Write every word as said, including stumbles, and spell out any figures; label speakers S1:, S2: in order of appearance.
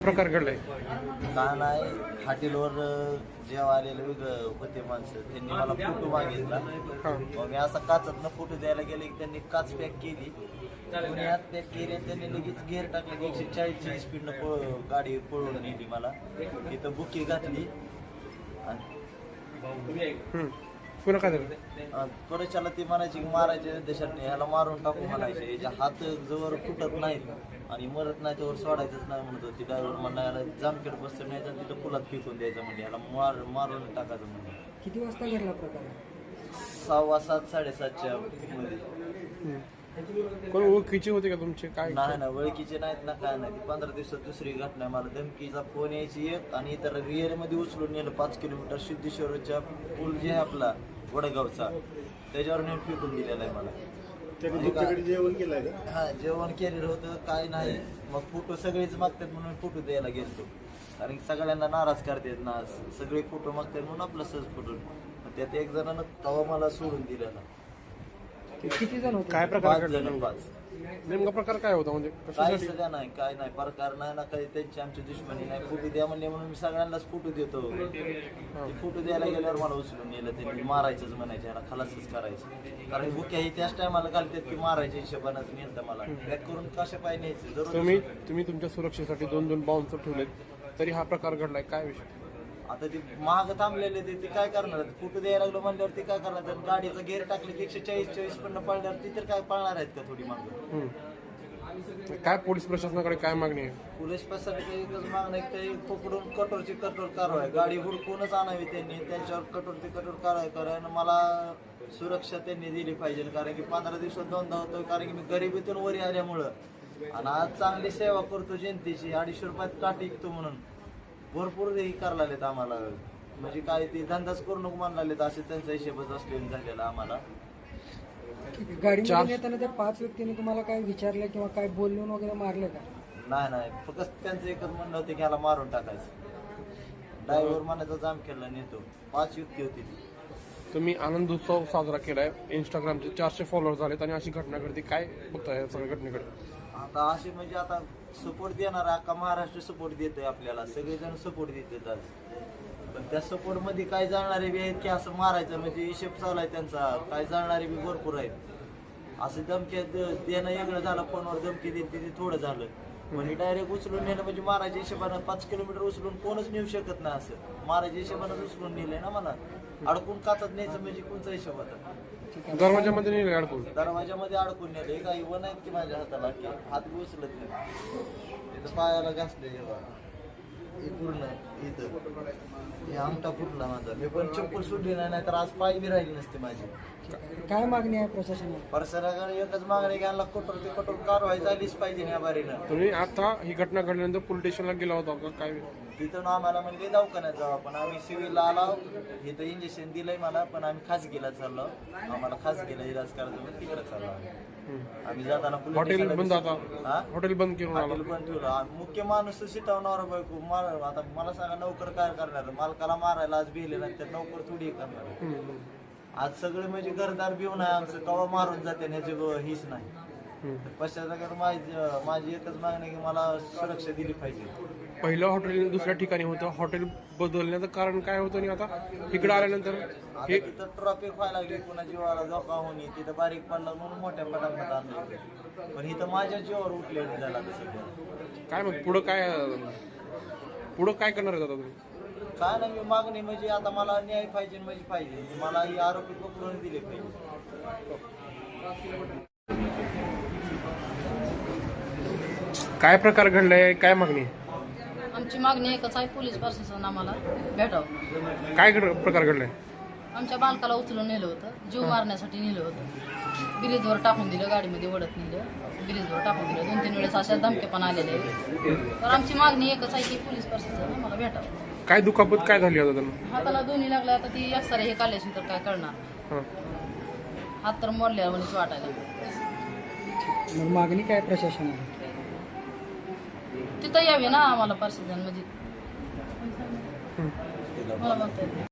S1: प्रकार घडलाय
S2: का नाही हॉटेलवर जेव्हा आलेले वेगळं होते माणसं त्यांनी मला फोटो मागितला. मग मी असा काचातनं फोटो द्यायला गेले की त्यांनी काच पॅक केली, कोणी हात पॅक केली आणि त्यांनी लगेच गेअर टाकले की एकशे चाळीसची स्पीडनं पळ गाडी पळवून नेली. मला तिथं बुकी घातली आणि
S1: पुन्हा काय झालं?
S2: त्वरेच्याला ती म्हणायची की मारायचे देशात ह्याला मारून टाकू म्हणायचे, याच्या हात जवळ फुटत नाहीत आणि मरत नाही त्यावर सोडायचंच नाही म्हणत होती. ड्रायव्हर म्हणला याला जामखेड बसतं नाही तर तिथं पुलात फेकून द्यायचं म्हणजे याला मार मारून टाकायचं म्हणजे.
S3: किती वाजता घडला प्रकार?
S2: सहावा सात साडेसातच्या मध्ये.
S1: कोण ओळखीचे होते का तुमचे? काय
S2: नाही ना ओळखीचे नाहीत ना काय नाही. ती पंधरा दिवसात दुसरी घटना. मला धमकीचा फोन यायची एक आणि इतर रिअर मध्ये उचलून नेलं पाच किलोमीटर सिद्धेश्वरच्या पूल जे आहे आपला वडगावचा त्याच्यावर नेट फेकून दिलेला आहे मला.
S4: जेवण केलंय
S2: हा जेवण केलेलं होतं काय नाही. मग फोटो सगळेच मागतात म्हणून फोटो द्यायला गेलतो, कारण की सगळ्यांना नाराज करतात ना, सगळे फोटो मागतात म्हणून आपला सहज फोटो. त्यात एक जणांना तवा मला सोडून दिलेला.
S3: किती जण होते?
S1: काय प्रकार
S2: पाच
S1: घडला?
S2: जण पाच.
S1: नेमका प्रकार काय होता म्हणजे
S2: काही
S1: कशासाठी?
S2: सध्या नाही, काय नाही प्रकार नाही ना, काही त्यांची आमची दुश्मनी नाही. फोटो द्या म्हणले म्हणून मी सगळ्यांनाच फोटो देतो. फोटो द्यायला गेल्यावर मला उचलून नेलं त्यांनी. मारायचंच म्हणायचे, याला खलासच करायचं, कारण भुक्या ही त्याच टायमाला घालतात की मारायच्या हिशोबानं नेलं मला. पॅक करून कशा पाय न्यायचे जरूर.
S1: तुम्ही तुम्ही तुमच्या सुरक्षेसाठी दोन दोन बाउन्सर ठेवलेत तरी हा प्रकार घडलाय, काय विषय?
S2: आता ते महाग थांबलेले ते ते काय करणार? फोटो द्यायला लागलो म्हणल्यावर ते काय करणार? तर गाडीचं गेअर टाकले की एकशे चाळीस चाळीस पण पळल्यावर ती तर काय पळणार आहेत का थोडी मागं?
S1: काय पोलीस प्रशासनाकडे काय मागणी आहे?
S2: पोलीस प्रशासनाची एकच मागणं आहे की ते पकडून कठोरची कठोर कारवाई, गाडी हुडकूनच आणावी त्यांनी, त्यांच्यावर कठोर ते कठोर कारवाई कारण मला सुरक्षा त्यांनी दिली पाहिजे. कारण की पंधरा दिवसात दोनदा होतो, कारण की मी गरिबीतून वरी आल्यामुळं आणि आज चांगली सेवा करतो जनतेची. अडीचशे रुपयात काठी विकतो म्हणून भरपूर हे करायला लागलेत आम्हाला. म्हणजे काय ते धंदाच करू नको म्हणायला लागलेत, असे त्यांचा हिशेबच असलेला झालेला आम्हाला.
S3: गाडीमध्ये येताना त्या पाच व्यक्तींनी तुम्हाला काय विचारलं किंवा काय बोलून वगैरे मारले का?
S2: नाही नाही, फक्त त्यांचं एकच म्हणणं होतं की ह्याला मारून टाकायचं. ड्रायव्हर म्हणायचा जाम केला नेतो. पाच युक्ती होती ती.
S1: तुम्ही आनंद उत्सव साजरा केलाय, इंस्टाग्रामचे चारशे फॉलोअर झालेत आणि अशी घटना घडते, काय बघताय या सगळ्या घटनेकडे?
S2: आता असे म्हणजे आता सपोर्ट देणार अख्खा महाराष्ट्र सपोर्ट देतोय आपल्याला, सगळेजण सपोर्ट देतात आज. पण त्या सपोर्ट मध्ये काय जाणारे बी आहेत की असं मारायचं म्हणजे हिशेब चालू आहे त्यांचा. काय जाणारे बी भरपूर आहेत. असं धमकी देणं वेगळं झालं, फोनवर धमकी देते ते थोडं झालं. म्हणजे डायरेक्ट उचलून नेलं म्हणजे मारायच्या हिशोबानं पाच किलोमीटर उचलून कोणच नेऊ शकत नाही. असं मारायच्या हिशोबानं उचलून नेलंय ना मला. अडकून काचत न्यायचं म्हणजे कोणचा हिशोब होता?
S1: दरवाजामध्ये नाही अडकून?
S2: दरवाजामध्ये अडकून नेले. काही वन आहेत की माझ्या हाताला की हात बी उचलत नाही. इथं पायाला घासले हे पूर्ण इथं हे आमटा फुटला माझा. मी पण चप्पल सुटली नाही, नाहीतर आज पाय बी राहिली नसते माझी.
S3: काय मागणी आहे प्रशासनाला?
S2: प्रशासनाकडे एकच मागणी घ्यायला कठोर ते कठोर कारवाई झालीच पाहिजे या बारीनं.
S1: तुम्ही आता ही घटना घडल्यानंतर पोलीस स्टेशनला गेला होता का? काय
S2: तिथं आम्हाला म्हणजे दवाखान्यात जाऊ, पण आम्ही सिव्हिलला आलो. इथं इंजेक्शन दिलंय मला, पण आम्ही खासगीला चाललो. आम्हाला खासगीला इलाज करायचं म्हणजे तिकडे चाललो आम्ही. जाताना
S1: हॉटेल बंद, आता
S2: हा
S1: हॉटेल बंद करून आला.
S2: हॉटेल पण ठेवलं. मुख्य माणूस शिटवणार बायको मार. आता मला सांगा नोकर काय करणार? मालकाला मारायला आज भिले नाही तर नोकर थोडी करणार. आज सगळे म्हणजे घरदार भिवून आहे आमचं, कवा मारून जाते ह्याची हीच नाही. पश्चात माझी माझी एकच मागणी की मला सुरक्षा दिली पाहिजे.
S1: पहिलं हॉटेल दुसऱ्या ठिकाणी होतं, हॉटेल बदलण्याचं कारण काय होतं आणि आता इकडे आल्यानंतर
S2: हे तिथं ट्रॉफिक व्हायला लागली, पुन्हा जीवाला धोका होणे, तिथं बारीक पडला म्हणून मोठ्या पटापट आणलं. पण इथं माझ्या जीवावर उठलेलं झाला सध्या.
S1: काय मग पुढं काय पुढं काय करणार आहे आता तुम्ही?
S2: काय नाही, मी मागणी म्हणजे आता मला न्याय पाहिजे म्हणजे पाहिजे. मला ही आरोपी पकडून दिले पाहिजे.
S1: काय प्रकार घडलाय, काय मागणी?
S5: आमची मागणी एकच आहे, पोलीस प्रशासन आम्हाला भेटावं.
S1: काय घड- प्रकार घडलाय?
S5: आमच्या बालकाला उचलून नेलं होतं, जीव मारण्यासाठी नेलं होतं. ब्रिजवर टाकून दिलं, गाडीमध्ये ओढत नेलं, ब्रिजवर टाकून दिलं. दोन तीन वेळेस अशा धमके पण आलेले. तर आमची मागणी एकच आहे की पोलीस प्रशासन आम्हाला भेटावं.
S1: काय दुखापत काय झाली आता त्यांना?
S5: हाताला दोन्ही लागल्या. आता ती एक्सरे हे काढल्याशी तर काय करणार?
S1: हां.
S5: हात तर मोडल्या म्हणून वाटायला.
S3: मग मागणी काय प्रशासनाला?
S5: तिथं यावे ना आम्हाला प्रशासन म्हणजे मला म्हणता येत नाही.